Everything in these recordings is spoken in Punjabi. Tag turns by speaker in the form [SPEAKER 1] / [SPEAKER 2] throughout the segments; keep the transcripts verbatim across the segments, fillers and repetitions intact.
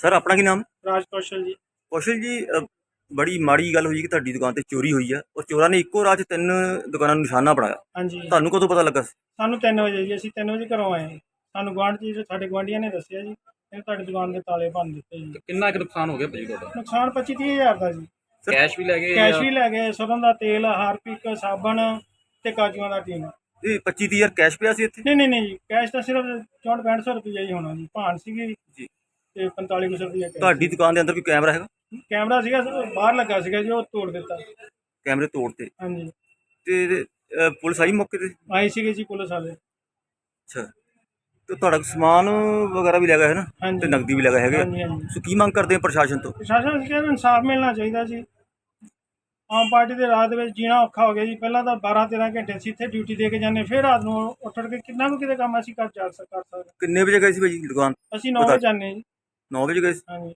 [SPEAKER 1] ਸਰ ਆਪਣਾ ਕੀ ਨਾਮ?
[SPEAKER 2] ਰਾਜ ਕੌਸ਼ਲ ਜੀ।
[SPEAKER 1] ਕੌਸ਼ਲ ਜੀ, ਅ, ਬੜੀ ਮਾੜੀ ਗੱਲ ਹੋਈ ਕਿ ਤੁਹਾਡੀ ਦੁਕਾਨ ਤੇ ਚੋਰੀ ਹੋਈ ਆ ਔਰ ਚੋਰਾਂ ਨੇ ਇੱਕੋ ਰਾਤ 'ਚ ਤਿੰਨ ਦੁਕਾਨਾਂ ਨੂੰ ਨਿਸ਼ਾਨਾ ਬਣਾਇਆ।
[SPEAKER 2] ਹਾਂਜੀ,
[SPEAKER 1] ਤੁਹਾਨੂੰ ਕਦੋਂ ਪਤਾ ਲੱਗਾ ਸੀ?
[SPEAKER 2] ਸਾਨੂੰ ਤਿੰਨ ਵਜੇ ਜੀ, ਅਸੀਂ ਤਿੰਨ ਵਜੇ ਘਰੋਂ ਆਏ। ਸਾਨੂੰ ਗੁਆਂਢ 'ਚ ਜੀ ਸਾਡੇ ਗੁਆਂਢੀਆਂ ਨੇ ਦੱਸਿਆ ਜੀ, ਇਹ ਤੁਹਾਡੀ ਦੁਕਾਨ ਦੇ ਤਾਲੇ ਭੰਨ ਦਿੱਤੇ ਜੀ।
[SPEAKER 3] ਤੇ ਕਿੰਨਾ ਕੁ ਨੁਕਸਾਨ ਹੋ ਗਿਆ ਭਾਜੀ ਤੁਹਾਡਾ?
[SPEAKER 2] ਨੁਕਸਾਨ ਪੱਚੀ ਤੀਹ ਹਜ਼ਾਰ ਦਾ ਜੀ।
[SPEAKER 3] ਕੈਸ਼ ਵੀ ਲੈ ਗਏ
[SPEAKER 2] ਕੈਸ਼
[SPEAKER 3] ਜਾਂ-
[SPEAKER 2] ਵੀ ਲੈ ਗਏ, ਸਰੋਂ ਦਾ ਤੇਲ, ਹਾਰਪਿਕ, ਸਾਬਣ ਤੇ ਕਾਜੂਆਂ ਦਾ ਟੀਨ।
[SPEAKER 1] ਇਹ ਪੱਚੀ ਤੀਹ ਹਜ਼ਾਰ ਕੈਸ਼ ਪਿਆ ਸੀ ਇੱਥੇ?
[SPEAKER 2] ਨਹੀਂ ਨਹੀਂ ਨਹੀਂ ਜੀ, ਕੈਸ਼ ਤਾਂ ਸਿਰਫ ਚੌਂਹਠ ਪੈਂਹਠ ਸੌ ਰੁਪਈਆ ਹੀ ਹੋਣਾ ਜੀ। ਭਾਨ ਸੀਗੀ
[SPEAKER 1] ਜੀ।
[SPEAKER 2] ਤੇ ਪੰਤਾਲੀ ਕੁ ਸੌ ਰੁਪਈਆ ਕੈਸ਼।
[SPEAKER 1] ਤੁਹਾਡੀ ਦੁਕਾਨ ਦੇ ਅੰਦਰ ਕੋਈ ਕੈਮਰਾ ਹੈਗਾ?
[SPEAKER 2] ਕੈਮਰਾ ਸੀਗਾ ਬਾਹਰ ਲੱਗਾ ਸੀਗਾ ਜੀ, ਉਹ ਤੋੜ ਦਿੱਤਾ।
[SPEAKER 1] ਕੈਮਰੇ ਤੋੜਤੇ
[SPEAKER 2] ਹਾਂਜੀ,
[SPEAKER 1] ਤੇ ਅ, ਪੁਲਿਸ ਆਈ ਮੌਕੇ ਤੇ?
[SPEAKER 2] ਆਏ ਸੀਗੇ ਜੀ ਪੁਲਿਸ ਵਾਲੇ।
[SPEAKER 1] ਅੱਛਾ, ਤੇ ਤੁਹਾਡਾ ਸਮਾਨ ਵਗੈਰਾ ਵੀ ਲੈ ਗਏ ਹੈ ਨਾ?
[SPEAKER 2] ਹਾਂਜੀ।
[SPEAKER 1] ਤੇ ਨਕਦੀ ਵੀ ਲੈ ਗਏ ਹੈਗੇ ਆ।
[SPEAKER 2] ਹਾਂਜੀ ਹਾਂਜੀ,
[SPEAKER 1] ਸੋ ਕੀ ਮੰਗ ਕਰਦੇ ਆ ਪ੍ਰਸ਼ਾਸਨ ਤੋਂ?
[SPEAKER 2] ਪ੍ਰਸ਼ਾਸਨ ਨੂੰ ਕਹਿੰਦਾ ਇਨਸਾਫ ਮਿਲਣਾ ਚਾਹੀਦਾ ਜੀ। ਆਮ ਪਾਰਟੀ ਦੇ ਰਾਤ ਦੇ ਵਿੱਚ ਜੀਣਾ ਔਖਾ ਹੋ ਗਿਆ ਜੀ। ਪਹਿਲਾਂ ਤਾਂ ਬਾਰਾਂ ਤੇਰਾਂ ਘੰਟੇ ਅਸੀਂ ਇੱਥੇ ਡਿਊਟੀ ਦੇ ਕੇ ਜਾਂਦੇ, ਫਿਰ ਰਾਤ ਨੂੰ ਉੱਠ ਉੱਠ ਕੇ ਕਿੰਨਾ ਕੁ ਕਿਤੇ ਕੰਮ ਅਸੀਂ ਕਰ ਜਾ ਸਕ- ਕਰ ਸਕਦੇ।
[SPEAKER 1] ਕਿੰਨੇ ਵਜੇ ਗਏ ਸੀ ਭਾਜੀ ਦੁਕਾਨ?
[SPEAKER 2] ਅਸੀਂ ਨੌ ਵਜੇ ਜਾਂਦੇ ਜੀ।
[SPEAKER 1] ਨੌ ਵਜੇ ਗਏ ਸੀ।
[SPEAKER 2] ਹਾਂਜੀ,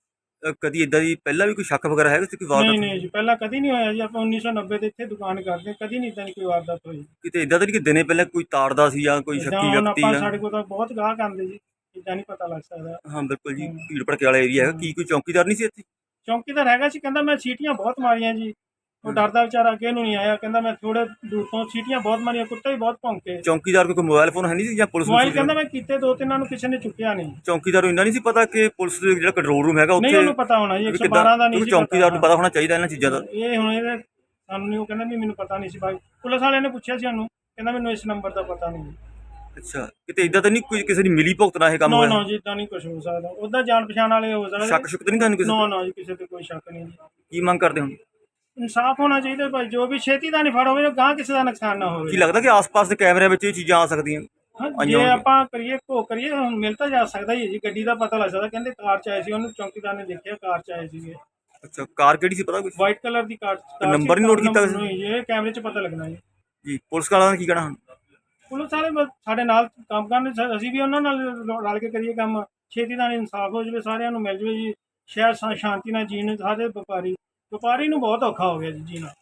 [SPEAKER 1] ਅ, ਕਦੀ ਇਦਾਂ ਦੀ ਪਹਿਲਾਂ ਵੀ ਕੋਈ ਸ਼ੱਕ ਵਗੈਰਾ ਹੈਗਾ ਸੀ ਕੋਈ
[SPEAKER 2] ਨਹੀਂ
[SPEAKER 1] ਵਾਰਦਾਤ?
[SPEAKER 2] ਨਹੀਂ ਜੀ, ਪਹਿਲਾਂ ਕਦੀ ਨਹੀਂ ਹੋਇਆ ਜੀ। ਆਪਾਂ ਉੱਨੀ ਸੌ ਨੱਬੇ ਦੇ ਇੱਥੇ ਦੁਕਾਨ ਕਰਦੇ, ਕਦੀ ਨਹੀਂ ਇਦਾਂ ਦੀ ਕੋਈ ਵਾਰਦਾਤ ਹੋਈ।
[SPEAKER 1] ਕਿਤੇ ਇਦਾਂ ਤਾਂ ਨਹੀਂ ਕਿ ਦਿਨੇ ਪਹਿਲਾਂ ਕੋਈ ਤਾੜਦਾ ਸੀ ਜਾਂ ਕੋਈ
[SPEAKER 2] ਏਦਾਂ
[SPEAKER 1] ਸ਼ੱਕੀ
[SPEAKER 2] ਹੁਣ
[SPEAKER 1] ਵਿਅਕਤੀ
[SPEAKER 2] ਆਪਾਂ
[SPEAKER 1] ਜਾਂ?
[SPEAKER 2] ਸਾਡੇ ਕੋਲ ਤਾਂ ਬਹੁਤ ਗਾਹਕ ਆਉਂਦੇ ਜੀ, ਇਦਾਂ ਨਹੀਂ ਪਤਾ ਲੱਗ ਸਕਦਾ।
[SPEAKER 1] ਹਾਂ ਬਿਲਕੁਲ ਜੀ,
[SPEAKER 2] ਹਮ।
[SPEAKER 1] ਭੀੜ ਭੜਕੇ ਵਾਲਾ ਏਰੀਆ ਹੈਗਾ। ਕੀ ਕੋਈ ਚੌਕੀਦਾਰ ਨਹੀਂ ਸੀ ਇੱਥੇ?
[SPEAKER 2] ਚੌਂਕੀਦਾਰ ਹੈਗਾ ਸੀ, ਕਹਿੰਦਾ ਮੈਂ ਸੀਟੀਆਂ ਬਹੁਤ ਮਾਰੀਆਂ ਜੀ। ਉਹ ਡਰਦਾ ਵਿਚਾਰਾ ਅੱਗੇ ਨੂੰ ਨਹੀਂ ਆਇਆ, ਕਹਿੰਦਾ ਮੈਂ ਥੋੜੇ ਦੂਰ ਤੋਂ ਸੀਟੀਆਂ ਬਹੁਤ ਮਾਰੀਆਂ, ਕੁੱਤੇ ਵੀ ਬਹੁਤ ਭੌਂਕੇ।
[SPEAKER 1] ਚੌਕੀਦਾਰ ਕੋਲ ਕੋਈ ਮੋਬਾਈਲ ਫੋਨ ਹੈ ਨਹੀਂ ਸੀ ਜਾਂ ਪੁਲਿਸ ਨੂੰ
[SPEAKER 2] ਮੋਬਾਈਲ
[SPEAKER 1] ਸੀ?
[SPEAKER 2] ਕਹਿੰਦਾ ਮੈਂ ਕੀਤੇ ਦੋ ਤਿੰਨਾਂ ਨੂੰ, ਕਿਸੇ ਨੇ ਚੁੱਕਿਆ ਨਹੀਂ।
[SPEAKER 1] ਚੌਕੀਦਾਰ ਨੂੰ ਇੰਨਾ ਨਹੀਂ ਸੀ ਪਤਾ ਕਿ ਪੁਲਿਸ ਦੇ ਜਿਹੜਾ ਕੰਟਰੋਲ ਰੂਮ ਹੈਗਾ
[SPEAKER 2] ਨਹੀਂ
[SPEAKER 1] ਉੱਥੇ?
[SPEAKER 2] ਉਹਨੂੰ ਪਤਾ ਹੋਣਾ ਜੀ, ਇੱਕ ਸੌ
[SPEAKER 1] ਕਿੱਦਾਂ-
[SPEAKER 2] ਬਾਰਾਂ ਦਾ ਨਹੀਂ
[SPEAKER 1] ਕਿਉਂਕਿ
[SPEAKER 2] ਸੀ
[SPEAKER 1] ਚੌਕੀਦਾਰ ਨੂੰ ਪਤਾ ਹੋਣਾ ਚਾਹੀਦਾ ਇਹਨਾਂ ਚੀਜ਼ਾਂ ਦਾ।
[SPEAKER 2] ਇਹ ਹੁਣ ਇਹਦੇ ਸਾਨੂੰ ਨਹੀਂ, ਉਹ ਕਹਿੰਦਾ ਵੀ ਮੈਨੂੰ ਪਤਾ ਨਹੀਂ ਸੀ ਭਾਈ। ਪੁਲਿਸ ਵਾਲਿਆਂ ਨੇ ਪੁੱਛਿਆ ਸੀ ਸਾਨੂੰ, ਕਹਿੰਦਾ ਮੈਨੂੰ ਇਸ ਨੰਬਰ ਦਾ ਪਤਾ ਨਹੀਂ।
[SPEAKER 1] ਅੱਛਾ, ਕਿਤੇ ਇਦਾਂ ਤਾਂ ਨਹੀਂ ਕੋਈ ਕਿਸੇ ਦੀ ਮਿਲੀ ਭੁਗਤ ਨਾਲ ਇਹ ਕੰਮ
[SPEAKER 2] ਨਾ
[SPEAKER 1] ਹੋਇਆ?
[SPEAKER 2] ਨਾ ਜੀ, ਇਦਾਂ ਨਹੀਂ ਕੁਝ ਹੋ ਸਕਦਾ। ਉਹਦਾ ਜਾਣ ਪਛਾਣ ਵਾਲੇ ਹੋ ਸਕਦੇ।
[SPEAKER 1] ਸ਼ੱਕ ਸ਼ੁਕ ਤਾਂ ਨਹੀਂ ਤੁਹਾਨੂੰ ਕਿਸੇ?
[SPEAKER 2] ਨਾ ਨਾ ਜੀ, ਕਿਸੇ ਤੇ ਕੋਈ ਸ਼ੱਕ ਨਹੀਂ ਜੀ।
[SPEAKER 1] ਕੀ ਮੰਗ ਕਰਦੇ ਹੋ?
[SPEAKER 2] ਇਨਸਾਫ ਹੋਣਾ ਚਾਹੀਦਾ ਭਾਈ, ਜੋ ਵੀ ਛੇਤੀ ਦਾ ਨਹੀਂ ਫੜ ਹੋਵੇ, ਗਾਂ ਕਿਸੇ ਦਾ ਨੁਕਸਾਨ ਨਾ
[SPEAKER 1] ਕੀ
[SPEAKER 2] ਹੋਵੇ।
[SPEAKER 1] ਲੱਗਦਾ ਕਿ ਆਸ-ਪਾਸ ਦੇ ਕੈਮਰਿਆਂ ਵਿੱਚ ਇਹ ਚੀਜ਼ਾਂ ਆ ਸਕਦੀਆਂ?
[SPEAKER 2] ਹਾਂ,
[SPEAKER 1] ਆਈਆਂ
[SPEAKER 2] ਜੇ
[SPEAKER 1] ਹੋਣਗੀਆਂ।
[SPEAKER 2] ਆਪਾਂ ਕਰੀਏ ਘੋ ਕਰੀਏ, ਹੁਣ ਮਿਲ ਤਾਂ ਜਾ ਸਕਦਾ ਹੀ ਹੈ ਜੀ। ਗੱਡੀ ਦਾ ਪਤਾ ਲੱਗ ਸਕਦਾ, ਕਹਿੰਦੇ ਕਾਰ ਚ ਆਏ ਸੀ, ਉਹਨੂੰ ਚੌਕੀਦਾਰ ਨੇ ਦੇਖਿਆ ਕਾਰ ਚ ਆਏ ਸੀਗੇ।
[SPEAKER 1] ਅੱਛਾ, ਕਾਰ ਕਿਹੜੀ ਸੀ ਪਤਾ ਕੁਛ?
[SPEAKER 2] ਵਾਈਟ ਕਲਰ ਦੀ ਕਾਰ। ਕਾਰ
[SPEAKER 1] ਨੰਬਰ
[SPEAKER 2] ਸੀ,
[SPEAKER 1] ਨਹੀਂ ਨੋਟ ਕੀਤਾ
[SPEAKER 2] ਨੰਬਰ
[SPEAKER 1] ਕਿਸੇ ਨੇ?
[SPEAKER 2] ਨਹੀਂ ਜੀ, ਇਹ ਕੈਮਰੇ 'ਚ ਪਤਾ ਲੱਗਣਾ ਜੀ।
[SPEAKER 1] ਜੀ, ਪੁਲਿਸ ਵਾਲਿਆਂ ਦਾ ਕੀ ਕਹਿਣਾ ਹੁਣ?
[SPEAKER 2] ਪੁਲਿਸ ਵਾਲੇ ਬਸ ਸਾਡੇ ਨਾਲ ਕੰਮ ਕਰਨ, ਸ- ਅਸੀਂ ਵੀ ਉਹਨਾਂ ਨਾਲ ਰਲ ਕੇ ਕਰੀਏ ਕੰਮ। ਛੇਤੀ ਨਾਲ ਇਨਸਾਫ ਹੋ ਜਾਵੇ, ਸਾਰਿਆਂ ਨੂੰ ਮਿਲ ਜਾਵੇ ਜੀ। ਸ਼ਹਿਰ ਸ਼ਾ- ਸ਼ਾਂਤੀ ਨਾਲ ਜੀਣ ਸਾਰੇ ਵਪਾਰੀ ਵਪਾਰੀ ਨੂੰ ਬਹੁਤ ਔਖਾ ਹੋ ਗਿਆ ਜੀ ਜੀਣਾ।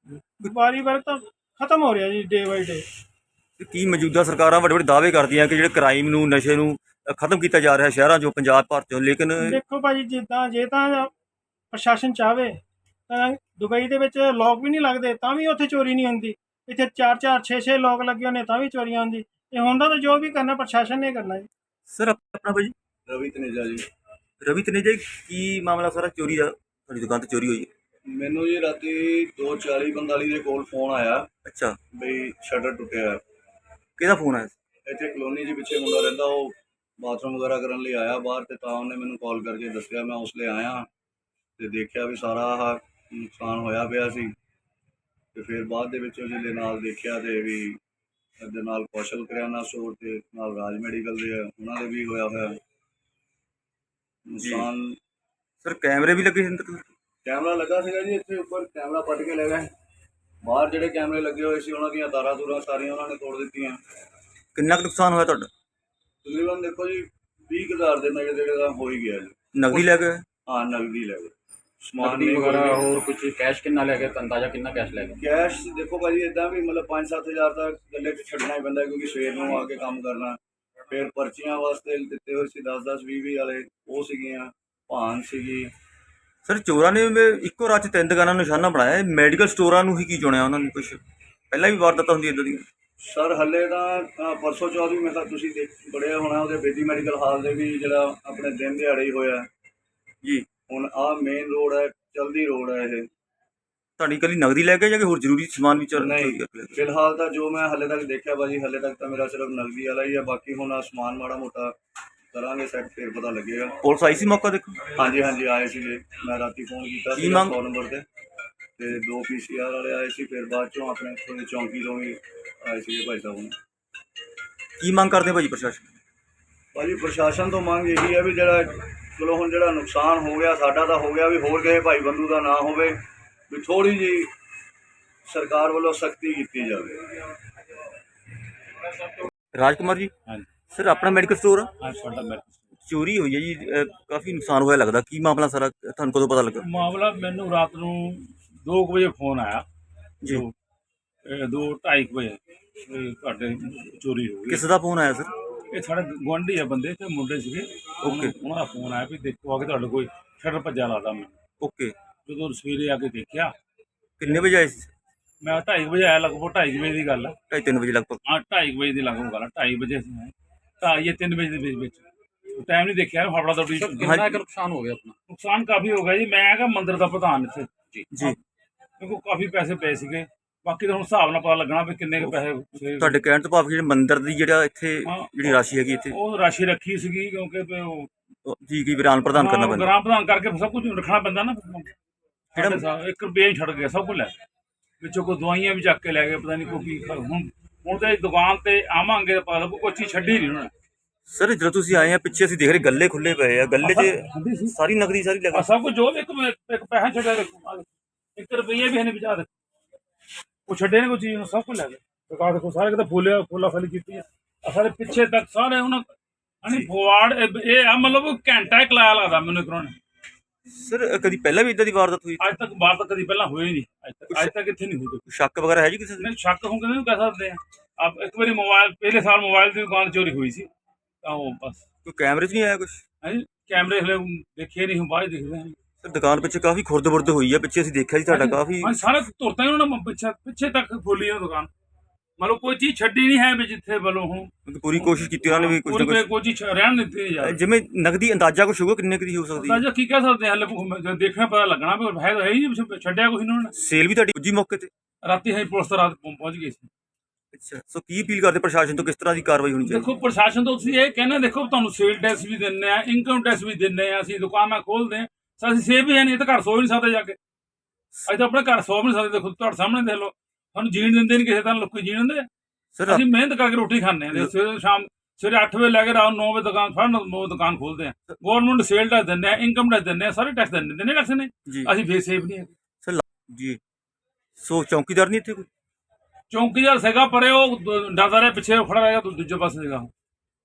[SPEAKER 2] ਵਪਾਰੀ ਵਰਗ ਤਾਂ ਖਤਮ ਹੋ ਰਿਹਾ ਜੀ ਡੇ ਬਾਈ ਡੇ।
[SPEAKER 1] ਤੇ ਕੀ ਮੌਜੂਦਾ ਸਰਕਾਰਾਂ ਵੱਡੇ ਵੱਡੇ ਦਾਅਵੇ ਕਰਦੀਆਂ ਕਿ ਜਿਹੜੇ ਕ੍ਰਾਈਮ ਨੂੰ, ਨਸ਼ੇ ਨੂੰ ਅ, ਖਤਮ ਕੀਤਾ ਜਾ ਰਿਹਾ ਸ਼ਹਿਰਾਂ 'ਚੋਂ, ਪੰਜਾਬ ਭਰ 'ਚੋਂ, ਲੇਕਿਨ
[SPEAKER 2] ਦੇਖੋ ਭਾਜੀ, ਜਿੱਦਾਂ ਜੇ ਤਾਂ ਪ੍ਰਸ਼ਾਸਨ ਚਾਹਵੇ ਤਾਂ ਦੁਬਈ ਦੇ ਵਿੱਚ ਲੋਕ ਵੀ ਨਹੀਂ ਲੱਗਦੇ, ਤਾਂ ਵੀ ਉੱਥੇ ਚੋਰੀ ਨਹੀਂ ਹੁੰਦੀ। ਇੱਥੇ ਚਾਰ ਚਾਰ ਛੇ ਛੇ ਲੋਕ ਲੱਗੇ ਹੋਣੇ, ਤਾਂ ਵੀ ਚੋਰੀਆਂ ਹੁੰਦੀ। ਇਹ ਹੁੰਦਾ ਤਾਂ ਜੋ ਵੀ ਕਰਨਾ ਪ੍ਰਸ਼ਾਸਨ ਨੇ ਕਰਨਾ ਜੀ।
[SPEAKER 1] ਸਰ ਆਪਣਾ ਭਾਜੀ?
[SPEAKER 4] ਰਵੀ ਤਨੇਜਾ ਜੀ।
[SPEAKER 1] ਰਵੀ ਤਨੇਜਾ ਜੀ, ਕੀ ਮਾਮਲਾ ਸਾਰਾ ਚੋਰੀ ਦਾ? ਤੁਹਾਡੀ ਦੁਕਾਨ ਤੇ ਚੋਰੀ ਹੋਈ ਹੈ?
[SPEAKER 4] ਮੈਨੂੰ ਜੀ ਰਾਤੀ ਦੋ ਚਾਲੀ ਪੰਤਾਲੀ ਦੇ ਕੋਲ ਫੋਨ ਆਇਆ
[SPEAKER 1] ਅੱਛਾ,
[SPEAKER 4] ਬਈ ਸ਼ਟਰ ਟੁੱਟਿਆ ਹੈ।
[SPEAKER 1] ਕਿਹਦਾ ਫੋਨ ਆਇਆ ਸੀ?
[SPEAKER 4] ਇੱਥੇ ਕਲੋਨੀ 'ਚ ਪਿੱਛੇ ਮੁੰਡਾ ਰਹਿੰਦਾ, ਉਹ ਬਾਥਰੂਮ ਵਗੈਰਾ ਕਰਨ ਲਈ ਆਇਆ ਬਾਹਰ, ਤੇ ਤਾਂ ਉਹਨੇ ਮੈਨੂੰ ਕਾਲ ਕਰਕੇ ਦੱਸਿਆ। ਮੈਂ ਉਸ ਲਈ ਆਇਆ ਤੇ ਦੇਖਿਆ ਵੀ ਸਾਰਾ ਆਹ ਨੁਕਸਾਨ ਹੋਇਆ ਪਿਆ ਸੀ। ਤੇ ਫਿਰ ਬਾਅਦ ਦੇ ਵਿੱਚ ਉਹਦੇ ਨਾਲ ਦੇਖਿਆ ਤੇ ਵੀ ਇਹਦੇ ਨਾਲ ਕੌਸ਼ਲ ਕਰਿਆਨਾ ਸਟੋਰ ਤੇ ਨਾਲ ਰਾਜ ਮੈਡੀਕਲ ਦੇ ਆ, ਉਹਨਾਂ ਦੇ ਵੀ ਹੋਇਆ ਹੋਇਆ ਨੁਕਸਾਨ।
[SPEAKER 1] ਸਰ ਕੈਮਰੇ ਵੀ ਲੱਗੇ ਸੀ ਅੰਦਰ?
[SPEAKER 4] ਕੈਮਰਾ ਲੱਗਾ ਸੀਗਾ ਜੀ, ਇੱਥੇ ਉੱਪਰ ਕੈਮਰਾ ਪੱਟ ਕੇ ਲੈ ਗਏ। ਬਾਹਰ ਜਿਹੜੇ ਕੈਮਰੇ ਲੱਗੇ ਹੋਏ ਸੀ, ਉਹਨਾਂ ਦੀਆਂ ਤਾਰਾਂ ਤੂਰਾਂ ਸਾਰੀਆਂ ਉਹਨਾਂ ਨੇ ਤੋੜ ਦਿੱਤੀਆਂ।
[SPEAKER 1] ਕਿੰਨਾ ਕੁ ਨੁਕਸਾਨ ਹੋਇਆ ਤੁਹਾਡਾ?
[SPEAKER 4] ਤਕਰੀਬਨ ਦੇਖੋ ਜੀ ਵੀਹ ਕੁ ਹਜ਼ਾਰ ਦੇ ਨੇੜੇ ਤੇੜੇ ਦਾ ਹੋ ਹੀ ਗਿਆ ਜੀ।
[SPEAKER 1] ਨਕਦੀ ਲੈ ਗਏ?
[SPEAKER 4] ਹਾਂ, ਨਗਦੀ ਲੈ ਗਏ, ਸਮਾਨ
[SPEAKER 3] ਨਕਦੀ
[SPEAKER 4] ਨਹੀਂ
[SPEAKER 3] ਵਗੈਰਾ
[SPEAKER 4] ਵਗੈਰਾ
[SPEAKER 3] ਹੋਰ ਕੁਝ ਕੈਸ਼ ਕਿੰਨਾ ਲੈ ਗਏ? ਅੰਦਾਜ਼ਾ ਕਿੰਨਾ ਕੈਸ਼ ਲੈ ਗਏ?
[SPEAKER 4] ਕੈਸ਼ ਦੇਖੋ ਭਾਜੀ, ਇਦਾਂ ਵੀ ਮਤਲਬ ਪੰਜ ਸੱਤ ਹਜ਼ਾਰ ਤਾਂ ਗੱਲੇ 'ਚ ਛੱਡਣਾ ਹੀ ਪੈਂਦਾ, ਕਿਉਂਕਿ ਸਵੇਰ ਨੂੰ ਆ ਕੇ ਕੰਮ ਕਰਨਾ। ਫਿਰ ਪਰਚੀਆਂ ਵਾਸਤੇ ਦਿੱਤੇ ਹੋਏ ਸੀ ਦਸ ਦਸ ਵੀਹ ਵੀਹ ਵਾਲੇ, ਉਹ ਸੀਗੀਆਂ। ਭਾਨ ਸੀਗੀ।
[SPEAKER 1] ਸਰ ਚੋਰਾਂ ਨੇ ਵੀ ਇੱਕੋ ਰਾਤ 'ਚ ਤਿੰਨ ਦੁਕਾਨਾਂ ਨੂੰ ਨਿਸ਼ਾਨਾ ਬਣਾਇਆ। ਮੈਡੀਕਲ ਸਟੋਰਾਂ ਨੂੰ ਹੀ ਕੀ ਚੁਣਿਆ ਉਹਨਾਂ ਨੇ? ਕੁਛ ਪਹਿਲਾਂ ਵੀ ਵਾਰਦਾਤਾਂ ਹੁੰਦੀਆਂ ਇੱਦਾਂ ਦੀਆਂ?
[SPEAKER 4] ਸਰ ਹੱਲੇ ਤਾਂ ਅ, ਪਰਸੋਂ ਚੌਥ ਵੀ ਮੈਂ ਤਾਂ ਤੁਸੀਂ ਦੇਖ ਬੜਿਆ ਹੋਣਾ, ਉਹਦੇ ਬੇਦੀ ਮੈਡੀਕਲ ਹਾਲ ਦੇ ਵੀ ਜਿਹੜਾ ਆਪਣੇ ਦਿਨ ਦਿਹਾੜੇ ਹੀ ਹੋਇਆ
[SPEAKER 1] ਜੀ।
[SPEAKER 4] ਹੁਣ ਆਹ ਮੇਨ ਰੋਡ ਹੈ, ਚਲਦੀ ਰੋਡ ਹੈ ਇਹ।
[SPEAKER 1] ਤੁਹਾਡੀ ਇਕੱਲੀ ਨਕਦੀ ਲੈ ਕੇ ਜਾਂ ਕਿ ਹੋਰ ਜ਼ਰੂਰੀ ਸਮਾਨ ਵੀ ਚੋਰੀ
[SPEAKER 4] ਨਹੀਂ,
[SPEAKER 1] ਕਰਕੇ ਲੈ ਗਏ?
[SPEAKER 4] ਫਿਲਹਾਲ ਤਾਂ ਜੋ ਮੈਂ ਹੱਲੇ ਤੱਕ ਦੇਖਿਆ ਭਾਜੀ, ਹੱਲੇ ਤੱਕ ਤਾਂ ਮੇਰਾ ਸਿਰਫ ਨਗਦੀ ਵਾਲਾ ਹੀ ਆ। ਬਾਕੀ ਹੁਣ ਆਹ ਸਮਾਨ ਮਾੜਾ ਮੋਟਾ ਕਰਾਂਗੇ ਸੈੱਟ, ਫਿਰ ਪਤਾ ਲੱਗੇਗਾ।
[SPEAKER 1] ਪੁਲਿਸ ਆਈ ਸੀ ਮੌਕਾ ਦੇਖੋ?
[SPEAKER 4] ਹਾਂਜੀ ਹਾਂਜੀ ਆਏ ਸੀਗੇ, ਮੈਂ ਰਾਤੀ ਫੋਨ ਕੀਤਾ
[SPEAKER 1] ਕੀ
[SPEAKER 4] ਸੀ
[SPEAKER 1] ਮੰਗ-
[SPEAKER 4] ਸੌ ਨੰਬਰ ਤੇ ਤੇ ਦੋ ਪੀ ਸੀ ਆਰ ਵਾਲੇ ਆਏ ਸੀ। ਫਿਰ ਬਾਅਦ ਚੋਂ ਆਪਣੇ ਇੱਥੋਂ ਦੀ ਚੌਂਕੀ ਤੋਂ ਵੀ ਆਏ ਸੀਗੇ ਭਾਈ ਸਾਹਿਬ।
[SPEAKER 1] ਕੀ ਮੰਗ ਕਰਦੇ ਭਾਜੀ ਪ੍ਰਸ਼ਾਸਨ?
[SPEAKER 4] ਭਾਜੀ ਪ੍ਰਸ਼ਾਸਨ ਤੋਂ ਮੰਗ ਇਹੀ ਹੈ ਵੀ ਜਿਹੜਾ ਚਲੋ ਹੁਣ ਜਿਹੜਾ ਨੁਕਸਾਨ ਹੋ ਗਿਆ ਸਾਡਾ ਤਾਂ ਹੋ ਗਿਆ, ਵੀ ਹੋਰ ਕਿਸੇ ਭਾਈ ਬੰਦੂ ਦਾ ਨਾ ਹੋਵੇ, ਵੀ ਥੋੜ੍ਹੀ ਜਿਹੀ ਸਰਕਾਰ ਵੱਲੋਂ ਸਖਤੀ ਕੀਤੀ ਜਾਵੇ।
[SPEAKER 1] ਰਾਜਕੁਮਾਰ ਜੀ,
[SPEAKER 3] ਹਾਂਜੀ
[SPEAKER 1] ਸਰ ਆਪਣਾ ਮੈਡੀਕਲ ਸਟੋਰ ਆ?
[SPEAKER 3] ਹਾਂ, ਸਾਡਾ ਮੈਡੀਕਲ
[SPEAKER 1] ਚੋਰੀ ਹੋਈ ਹੈ ਜੀ, ਅ, ਕਾਫੀ ਨੁਕਸਾਨ ਹੋਇਆ ਲੱਗਦਾ। ਕੀ ਮਾਮਲਾ ਸਾਰਾ, ਤੁਹਾਨੂੰ ਕਦੋਂ ਪਤਾ ਲੱਗਾ?
[SPEAKER 5] ਮਾਮਲਾ ਮੈਨੂੰ ਰਾਤ ਨੂੰ ਦੋ ਕੁ ਵਜੇ ਫੋਨ ਆਇਆ
[SPEAKER 1] ਜੀ।
[SPEAKER 5] ਦੋ ਇਹ ਦੋ ਢਾਈ ਕੁ ਵਜੇ ਵੀ ਤੁਹਾਡੇ ਚੋਰੀ ਹੋ ਗਈ।
[SPEAKER 1] ਕਿਸ ਦਾ ਫੋਨ ਆਇਆ ਸਰ?
[SPEAKER 5] ਇਹ ਸਾਡੇ ਗੁਆਂਢੀ ਆ ਬੰਦੇ ਤੇ ਮੁੰਡੇ ਸੀਗੇ।
[SPEAKER 1] Okay.
[SPEAKER 5] ਉਹਨਾਂ ਦਾ ਫੋਨ ਆਇਆ ਵੀ ਦੇਖੋ ਆ ਕੇ ਤੁਹਾਡੇ ਕੋਈ ਸ਼ਟਰ ਭੱਜਾ ਲਾਦਾ ਮੈਂ।
[SPEAKER 1] ਓਕੇ,
[SPEAKER 5] ਜਦੋਂ ਸਵੇਰੇ ਆ ਕੇ ਦੇਖਿਆ,
[SPEAKER 1] ਕਿੰਨੇ ਵਜੇ ਆਏ ਸੀ?
[SPEAKER 5] ਮੈਂ ਢਾਈ ਵਜੇ ਆਇਆ, ਲਗਭਗ ਢਾਈ ਵਜੇ ਦੀ ਗੱਲ ਆ।
[SPEAKER 1] ਢਾਈ ਤਿੰਨ ਵਜੇ ਲਗਭਗ।
[SPEAKER 5] ਹਾਂ ਢਾਈ ਵਜੇ ਦੀ ਲਗਭਗ ਗੱਲ ਆ, ਢਾਈ ਵਜੇ ਅਸੀਂ ਆਏ, ਢਾਈ ਜਾਂ ਤਿੰਨ ਵਜੇ ਦੇ ਵਿੱਚ ਵਿੱਚ ਟਾਈਮ ਨਹੀਂ ਦੇਖਿਆ, ਫਾਫੜਾ ਦੌੜੀ।
[SPEAKER 3] ਕਿੰਨਾ ਕੁ ਨੁਕਸਾਨ ਹੋ ਗਿਆ ਆਪਣਾ?
[SPEAKER 5] ਨੁਕਸਾਨ ਕਾਫੀ ਹੋ ਗਿਆ ਜੀ। ਮੈਂ ਹੈਗਾ ਮੰਦਿਰ ਦਾ ਪ੍ਰਧਾਨ ਇੱਥੇ
[SPEAKER 3] ਜੀ
[SPEAKER 1] ਜੀ,
[SPEAKER 5] ਕਿਉਂਕਿ ਕਾਫੀ ਪੈਸੇ ਪਏ ਸੀਗੇ। ਬਾਕੀ ਤਾਂ ਹੁਣ ਹਿਸਾਬ ਨਾਲ ਪਤਾ ਲੱਗਣਾ ਵੀ ਕਿੰਨੇ ਕੁ ਪੈਸੇ ਸੀਗੇ।
[SPEAKER 1] ਤੁਹਾਡੇ ਕਹਿਣ ਤੋਂ ਭਾਵ ਜਿਹੜੇ ਮੰਦਿਰ ਦੀ ਜਿਹੜਾ ਇੱਥੇ
[SPEAKER 5] ਹਾਂ।
[SPEAKER 1] ਜਿਹੜੀ ਰਾਸ਼ੀ ਹੈਗੀ ਇੱਥੇ,
[SPEAKER 5] ਉਹ ਰਾਸ਼ੀ ਰੱਖੀ ਸੀਗੀ ਕਿਉਂਕਿ ਵੀ ਉਹ
[SPEAKER 1] ਉਹ ਜੀ ਕੀ ਵਿਰਾਨ ਪ੍ਰਦਾਨ ਕਰਨਾ
[SPEAKER 5] ਹਾਂ,
[SPEAKER 1] ਪੈਂਦਾ।
[SPEAKER 5] ਗ੍ਰਾਮ ਪ੍ਰਧਾਨ ਕਰਕੇ ਸਭ ਕੁਝ ਰੱਖਣਾ ਪੈਂਦਾ ਨਾ।
[SPEAKER 1] ਕਿਹੜਾ-
[SPEAKER 5] ਸਾਡੇ ਸਾਹਿਬ ਇੱਕ ਰੁਪਈਆ ਨਹੀਂ ਛੱਡ ਗਿਆ, ਸਭ ਕੁਝ ਲੈ ਗਏ। ਵਿੱਚੋਂ ਕੋਈ ਦਵਾਈਆਂ ਵੀ ਚੱਕ ਕੇ ਲੈ ਗਏ, ਪਤਾ ਨਹੀਂ ਕੋਈ ਕੀ ਖਾ- ਹੁਣ ਹੁਣ ਤੇ ਦੁਕਾਨ ਤੇ ਆਵਾਂਗੇ ਤਾਂ ਪਤਾ ਲੱਗੂ ਕੋਈ ਚੀਜ਼ ਛੱਡੀ ਨਹੀਂ ਉਹਨਾਂ ਨੇ।
[SPEAKER 1] ਸਰ ਜਦੋਂ ਤੁਸੀਂ ਆਏ ਆ ਪਿੱਛੇ ਅਸੀਂ ਦੇਖ ਰਹੇ ਗੱਲੇ ਖੁੱਲੇ ਪਏ ਆ, ਗੱਲੇ 'ਚ
[SPEAKER 5] ਹੁੰਦੀ ਸੀ
[SPEAKER 1] ਸਾਰੀ ਨਗਦੀ ਸਾਰੀ
[SPEAKER 5] ਆਹ
[SPEAKER 1] ਲੱਗਾ।
[SPEAKER 5] ਸਭ ਕੁਝ ਜੋ ਵੀ ਇੱਕ ਇੱਕ ਪੈਸਾ ਛੱਡਿਆ ਦੇਖੋ, ਆਹ ਦੇਖੋ, ਇੱਕ ਰੁਪਈਆ ਵੀ ਹੈ ਨਹੀਂ ਵਿਚਾਰ ਉਹ ਛੱਡੇ ਨੇ ਕੋਈ ਚੀਜ਼, ਸਭ ਕੁਝ ਲੈ ਗਏ। ਦੁਕਾਨ ਦੇਖੋ ਸਾਰੇ ਕਿਤੇ ਫੁੱਲਿਆ ਫੁੱਲਾ ਫਲੀ ਕੀਤੀ ਆ ਆਹ ਸਾਰੇ ਪਿੱਛੇ ਤੱਕ ਸਾਰੇ ਉਹਨਾਂ ਅਣੀ ਫੋਵਾਰਡ ਇਹ ਆ ਮਤਲਬ ਘੰਟਾ ਇੱਕ ਲਾਇਆ ਲੱਗਦਾ ਮੈਨੂੰ ਇੱਕ ਨੇ।
[SPEAKER 1] ਸਰ ਕਦੀ ਪਹਿਲਾਂ ਵੀ ਇਦਾਂ ਦੀ ਵਾਰਦਾਤ ਹੋਈ?
[SPEAKER 5] ਅੱਜ ਤੱਕ ਬਾਤ ਤਾਂ ਕਦੀ ਪਹਿਲਾਂ ਹੋਈ ਨਹੀਂ, ਅੱਜ ਤੱਕ ਅੱਜ ਤੱਕ ਇੱਥੇ ਨਹੀਂ ਹੋਈ।
[SPEAKER 1] ਕੋਈ ਸ਼ੱਕ ਵਗੈਰਾ ਹੈ ਜੀ ਕਿਸੇ ਦੇ?
[SPEAKER 5] ਨਹੀਂ ਸ਼ੱਕ ਹੋਊਗਾ ਨਹੀਂ ਕਹਿ ਸਕਦੇ ਆ। ਆਪ ਇੱਕ ਵਾਰੀ ਮੋਬਾਈਲ ਪਹਿਲੇ ਸਾਲ ਮੋਬਾਈਲ ਦੀ ਦੁਕਾਨ ਚੋਰੀ ਹੋਈ ਸੀ ਤਾਂ ਉਹ ਬਸ
[SPEAKER 1] ਕੋਈ ਕੈਮਰੇ 'ਚ ਨਹੀਂ ਆਇਆ ਕੁਝ?
[SPEAKER 5] ਹਾਂਜੀ ਕੈਮਰੇ ਹਲੇ ਦੇਖੇ ਨਹੀਂ, ਹੁਣ ਬਾਅਦ 'ਚ ਦੇਖਦੇ ਹਾਂ।
[SPEAKER 1] ਸਰ ਦੁਕਾਨ ਪਿੱਛੇ ਕਾਫੀ ਖੁਰਦ-ਬੁਰਦ ਹੋਈ ਆ, ਪਿੱਛੇ ਅਸੀਂ ਦੇਖਿਆ ਜੀ ਤੁਹਾਡਾ ਕਾਫੀ।
[SPEAKER 5] ਹਾਂ ਸਾਰਾ ਤੁਰਤਾ ਹੀ ਉਹਨਾਂ ਨੇ ਪਿੱਛੇ ਪਿੱਛੇ ਤੱਕ ਖੋਲੀ ਉਹ ਦੁਕਾਨ, ਮਤਲਬ ਕੋਈ ਚੀਜ਼ ਛੱਡੀ ਨਹੀਂ ਹੈ ਵੀ ਜਿੱਥੇ ਵੱਲੋਂ ਹੁਣ
[SPEAKER 1] ਪੂਰੀ ਕੋਸ਼ਿਸ਼ ਕੀਤੀ ਉਹਨਾਂ ਨੇ ਵੀ ਕੁਝ ਨਾ
[SPEAKER 5] ਪੂਰੀ
[SPEAKER 1] ਕੁਝ।
[SPEAKER 5] ਕੋਈ ਚੀਜ਼ ਰਹਿਣ ਨਹੀਂ ਦਿੱਤੀ ਯਾਰ।
[SPEAKER 1] ਜਿਵੇਂ ਨਗਦੀ ਅੰਦਾਜ਼ਾ ਕੁਛ ਹੋਊਗਾ ਕਿੰਨੇ ਕੁ ਦੀ ਹੋ ਸਕਦੀ ਹੈ?
[SPEAKER 5] ਅੰਦਾਜ਼ਾ ਕੀ ਕਹਿ ਸਕਦੇ ਹਾਂ, ਹਲੇ ਜਦ ਦੇਖਣਾ ਪਤਾ ਲੱਗਣਾ ਵੀ ਹੈ ਤਾਂ ਹੈ ਹੀ ਨਹੀਂ, ਛੱਡਿਆ ਕੁਛ ਇਹਨਾਂ ਨੇ।
[SPEAKER 1] ਸੇਲ ਵੀ ਤੁਹਾਡੀ ਪੁੱਜੀ ਮੌਕੇ ਤੇ?
[SPEAKER 5] ਰਾਤੀ ਹੈ ਪੁਲਿਸ ਤਾਂ ਰਾਤ ਪਹੁੰ- ਪਹੁੰਚ ਗਈ ਸੀ।
[SPEAKER 1] ਅੱਛਾ, ਸੋ ਕੀ ਅਪੀਲ ਕਰਦੇ ਪ੍ਰਸ਼ਾਸਨ ਤੋਂ, ਕਿਸ ਤਰ੍ਹਾਂ ਦੀ ਕਾਰਵਾਈ ਹੋਣੀ ਚਾਹੀਦੀ?
[SPEAKER 5] ਦੇਖੋ ਪ੍ਰਸ਼ਾਸਨ ਤੋਂ ਤੁਸੀਂ ਇਹ ਕਹਿੰਦੇ ਦੇਖੋ ਤੁਹਾਨੂੰ ਸੇਲ ਟੈਕਸ ਵੀ ਦਿੰਦੇ ਆ, ਇਨਕਮ ਟੈਕਸ ਵੀ ਦਿੰਦੇ ਆ, ਅਸੀਂ ਦੁਕਾਨਾਂ ਖੋਲਦੇ ਆ, ਸੋ ਅਸੀਂ ਸੇਵ ਵੀ ਹੈ ਨਹੀਂ, ਇਹ ਤਾਂ ਘਰ ਸੋ ਵੀ ਨਹੀਂ ਸਕਦੇ ਜਾ ਕੇ। ਅਸੀਂ ਤਾਂ ਆਪਣੇ ਘਰ ਸੋ ਵੀ ਨਹੀਂ ਸਕਦੇ, ਦੇਖੋ ਤੁਹਾਡੇ ਸਾਹਮਣੇ ਦੇਖ ਲਓ, ਸਾਨੂੰ ਜੀਣ ਦਿੰਦੇ ਨਹੀਂ ਕਿਸੇ ਤਰ੍ਹਾਂ, ਲੋਕੀ ਜੀਣ ਦਿੰਦੇ ਆ।
[SPEAKER 1] ਸਰ
[SPEAKER 5] ਅਸੀਂ ਮਿਹਨਤ ਕਰਕੇ ਰੋਟੀ ਖਾਂਦੇ ਆ, ਸਵੇਰੇ ਸ਼ਾਮ ਸਵੇਰੇ ਅੱਠ ਵਜੇ ਲੈ ਕੇ ਰਾਤ ਨੌ ਵਜੇ ਦੁਕਾਨ ਫੜਨ ਨੌ ਦੁਕਾਨ ਖੋਲਦੇ ਆ। ਗਵਰਨਮੈਂਟ ਸੇਲ ਟੈਕਸ ਦਿੰਦੇ ਆ, ਇਨਕਮ ਟੈਕਸ ਦਿੰਦੇ ਆ, ਸਾਰੇ ਟੈਕਸ ਦਿੰਦੇ ਨੇ ਟੈਕਸ ਨੇ,
[SPEAKER 1] ਜੀ
[SPEAKER 5] ਅਸੀਂ ਫੇਰ ਸੇਫ ਨਹੀਂ ਹੈ।
[SPEAKER 1] ਜੀ, ਸੋ ਚੌਕੀਦਾਰ ਨਹੀਂ ਇੱਥੇ ਕੋਈ?
[SPEAKER 5] ਚੌਂਕੀਦਾਰ ਸੀਗਾ ਪਰੇ, ਉਹ ਦ- ਡਰਦਾ ਰਿਹਾ, ਪਿੱਛੇ ਖੜਾ ਰਿਹਾ, ਦੂ- ਦੂਜੇ ਪਾਸੇ ਸੀਗਾ ਉਹ।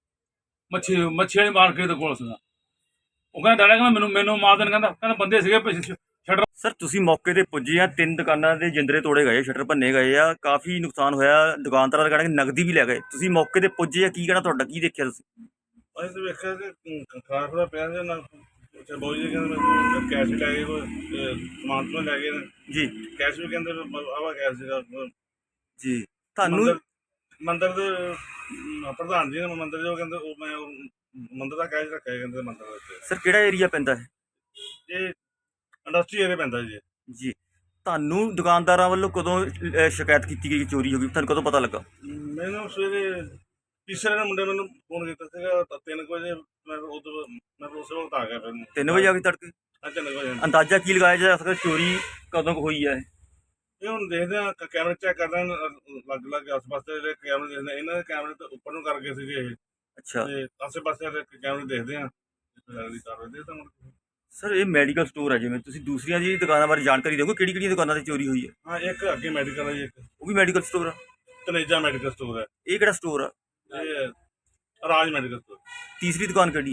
[SPEAKER 5] ਮੱਛੀ ਮੱਛੀ ਵਾਲੀ ਮਾਰਕੀਟ ਦੇ ਕੋਲ ਸੀਗਾ। ਉਹ ਕਹਿੰਦਾ ਡਰਿਆ, ਕਹਿੰਦਾ ਮੈਨੂੰ ਮੈਨੂੰ ਮਾਰ ਦੇਣ, ਕਹਿੰਦਾ ਕਹਿੰਦਾ ਬੰਦੇ ਸੀਗੇ ਪਿੱਛੇ ਸ਼ਟਰ।
[SPEAKER 1] ਸਰ ਤੁਸੀਂ ਮੌਕੇ ਤੇ ਪੁੱਜੇ ਆ, ਤਿੰਨ ਦੁਕਾਨਾਂ ਦੇ ਜਿੰਦਰੇ ਤੋੜੇ ਗਏ, ਸ਼ਟਰ ਭੰਨੇ ਗਏ ਆ, ਕਾਫੀ ਨੁਕਸਾਨ ਹੋਇਆ, ਦੁਕਾਨਦਾਰਾਂ ਦਾ ਕਹਿਣਾ ਕਿ ਨਗਦੀ ਵੀ ਲੈ ਗਏ। ਤੁਸੀਂ ਮੌਕੇ ਤੇ ਪੁੱਜੇ ਆ, ਕੀ ਕਹਿਣਾ ਤੁਹਾਡਾ, ਕੀ ਦੇਖਿਆ ਤੁਸੀਂ?
[SPEAKER 6] ਅਸੀਂ ਤਾਂ ਵੇਖਿਆ ਕਿ ਖਾਣਾ ਖੁਣਾ ਪਿਆ ਸੀ ਨਾ, ਅੱਛਾ ਬਾਊ ਜੀ ਕਹਿੰਦੇ ਮੈਨੂੰ ਕੈਸ਼ ਵੀ ਲੈ ਗਏ, ਕੋਈ ਅਹ, ਸਮਾਨ ਤੋਂ ਲੈ ਗਏ ਨੇ,
[SPEAKER 1] ਜੀ
[SPEAKER 6] ਕੈਸ਼ ਵੀ ਕਹਿੰਦੇ ਆਵਾ ਕੈਸ਼ ਸੀਗਾ।
[SPEAKER 1] ਜੀ, ਤੁਹਾਨੂੰ
[SPEAKER 6] ਮੰਦਿਰ ਮੰਦਿਰ ਦੇ ਅਮ, ਪ੍ਰਧਾਨ ਜੀ ਨੇ ਮੰਦਿਰ ਜੋ ਕਹਿੰਦੇ ਉਹ ਮੈਂ ਉਹ ਮੰਦਿਰ ਦਾ ਕੈਸ਼ ਰੱਖਿਆ ਕਹਿੰਦੇ ਮੰਦਿਰ ਦੇ ਵਿੱਚ।
[SPEAKER 1] ਸਰ ਕਿਹੜਾ ਏਰੀਆ ਪੈਂਦਾ ਹੈ?
[SPEAKER 6] ਇਹ ਇੰਡਸਟਰੀ ਏਰੀਆ ਪੈਂਦਾ ਜੀ।
[SPEAKER 1] ਜੀ, ਤੁਹਾਨੂੰ ਦੁਕਾਨਦਾਰਾਂ ਵੱਲੋਂ ਕਦੋਂ ਅਹ, ਸ਼ਿਕਾਇਤ ਕੀਤੀ ਗਈ ਕਿ ਚੋਰੀ ਹੋ ਗਈ, ਤੁਹਾਨੂੰ ਕਦੋਂ ਪਤਾ ਲੱਗਾ?
[SPEAKER 6] ਮੈਨੂੰ ਸਵੇਰੇ ਤੀਸਰੇ ਨੇ ਮੁੰਡੇ ਮੈਨੂੰ ਫੋਨ ਕੀਤਾ ਸੀਗਾ ਤਾਂ ਤਿੰਨ ਕੁ ਵਜੇ, ਮੈਂ ਉਦੋਂ ਮੈਂ ਉਸੇ ਵਕਤ ਆ ਗਿਆ ਫਿਰ।
[SPEAKER 1] ਤਿੰਨ ਵਜੇ ਆ ਕੇ ਤੜਕੇ?
[SPEAKER 6] ਹਾਂ ਤਿੰਨ ਕੁ ਵਜੇ।
[SPEAKER 1] ਅੰਦਾਜ਼ਾ ਕੀ ਲਗਾਇਆ ਜਾ ਸਕਦਾ ਚੋਰੀ ਕਦੋਂ ਕੁ ਹੋਈ ਹੈ?
[SPEAKER 6] ਇਹ ਹੁਣ ਦੇਖਦੇ ਆ ਕੈਮਰੇ ਚੈੱਕ ਕਰਦੇ ਆ, ਲੱਗ ਲੱਗ ਆਸ-ਪਾਸ ਦੇ ਜਿਹੜੇ ਕੈਮਰੇ ਦੇਖਦੇ ਆ, ਇਹਨਾਂ ਦੇ ਕੈਮਰੇ ਤੇ ਉੱਪਰ ਨੂੰ ਕਰਕੇ ਸੀਗੇ ਇਹ,
[SPEAKER 1] ਅੱਛਾ
[SPEAKER 6] ਤੇ ਆਸੇ-ਪਾਸੇ ਦੇ ਕੈਮਰੇ ਦੇਖਦੇ ਆ, ਲੱਗਦੀ ਕਾਰਵਾਈ ਦੇ ਤਾਂ ਮੁੜ ਕੇ।
[SPEAKER 1] ਸਰ ਇਹ ਮੈਡੀਕਲ ਸਟੋਰ ਹੈ, ਜਿਵੇਂ ਤੁਸੀਂ ਦੂਸਰੀਆਂ ਜੀ ਦੁਕਾਨਾਂ ਬਾਰੇ ਜਾਣਕਾਰੀ ਦਿਓਗੇ, ਕਿਹੜੀ ਕਿਹੜੀਆਂ ਦੁਕਾਨਾਂ ਤੇ ਚੋਰੀ ਹੋਈ ਹੈ?
[SPEAKER 6] ਹਾਂ ਇੱਕ ਅੱਗੇ ਮੈਡੀਕਲ ਹੈ ਜੀ, ਇੱਕ
[SPEAKER 1] ਉਹ ਵੀ ਮੈਡੀਕਲ ਸਟੋਰ ਆ?
[SPEAKER 6] ਤਨੇਜਾ ਮੈਡੀਕਲ ਸਟੋਰ ਹੈ,
[SPEAKER 1] ਇਹ ਕਿਹੜਾ ਸਟੋਰ ਆ?
[SPEAKER 6] ਇਹ ਰਾਜ ਮੈਡੀਕਲ ਸਟੋਰ,
[SPEAKER 1] ਤੀਸਰੀ ਦੁਕਾਨ ਕਿਹੜੀ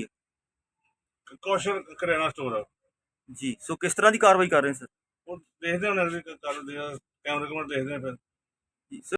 [SPEAKER 1] ਹੈ?
[SPEAKER 6] ਕੌਸ਼ਲ ਕਰਿਆਨਾ ਸਟੋਰ ਆ।
[SPEAKER 1] ਜੀ, ਸੋ ਕਿਸ ਤਰ੍ਹਾਂ ਦੀ ਕਾਰਵਾਈ ਕਰ ਰਹੇ ਸਰ?
[SPEAKER 6] ਉਹ ਦੇਖਦੇ ਹਾਂ ਅਗਲੀ ਕਾਰਵਾਈ, ਕੈਮਰੇ ਕੁਮਰੇ ਦੇਖਦੇ ਆ ਫਿਰ।
[SPEAKER 1] ਜੀ ਸਰ